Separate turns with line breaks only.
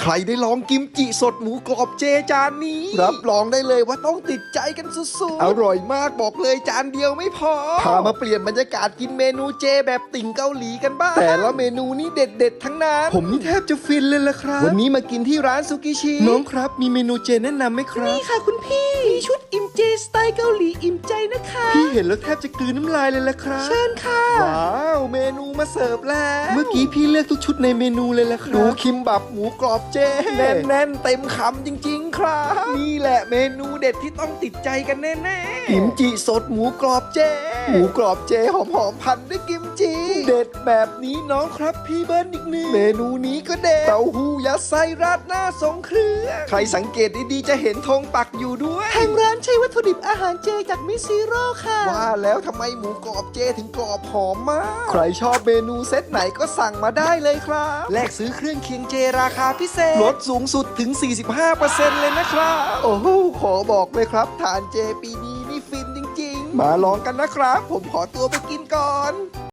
รได้ลองกิมจิสดหมูกรอบเจจานนี้รับรองได้เลยว่าต้องติดใจกันสุดๆอร่อยมากบอกเลยจานเดียวไม่พอพามาเปลี่ยนบรรยากาศกินเมนูเจแบบติ่งเกาหลีกันบ้างแต่ละเมนูนี้เด็ดๆทั้งนั้นผมนี่แทบจะฟินเลยล่ะครับวันนี้มากินที่ร้านซุกิชิน้องครับมีเมนูเจแนะนำไหมครับนี่ค่ะคุณพี่มีชุดอิ่มเจสไตล์เกาหลีอิ่มใจนะคะพี่เห็นแล้วแทบจะกลืนน้ำลายเลยล่ะครับเชิญค่ะว้าวเมนูมาเสิร์ฟแล้วเมื่อกี้พี่เลือกทุกชุดในเมนูเลยล่ะครับดูคิมบับหมูกรอบเจแน่นๆเต็มคำจริงๆครับนี่แหละเมนูเด็ดที่ต้องติดใจกันแน่ๆกิมจิสดหมูกรอบเจหมูกรอบเจหอมๆพันด้วยกิมจิเด็ดแบบนี้น้องครับพี่เบิ้ลอีกหนึ่งเมนูนี้ก็เด็ดเต้าหู้ยัดไส้ราดหน้าทรงเครื่องใครสังเกตดีๆจะเห็นธงปักอยู่ด้วยทางร้านใช้วัตถุดิบอาหารเจจากมิซิโร่ค่ะว่าแล้วทำไมหมูกรอบเจถึงกรอบหอมมากใครชอบเมนูเซตไหนก็สั่งมาได้เลยครับแลกซื้อเครื่องเคียงเจราคาพิเศษลดสูงสุดถึง 45% เลยนะครับโอ้โหขอบอกเลยครับทานเจปีนี้นี่ฟินจริงๆมาลองกันนะครับผมขอตัวไปกินก่อน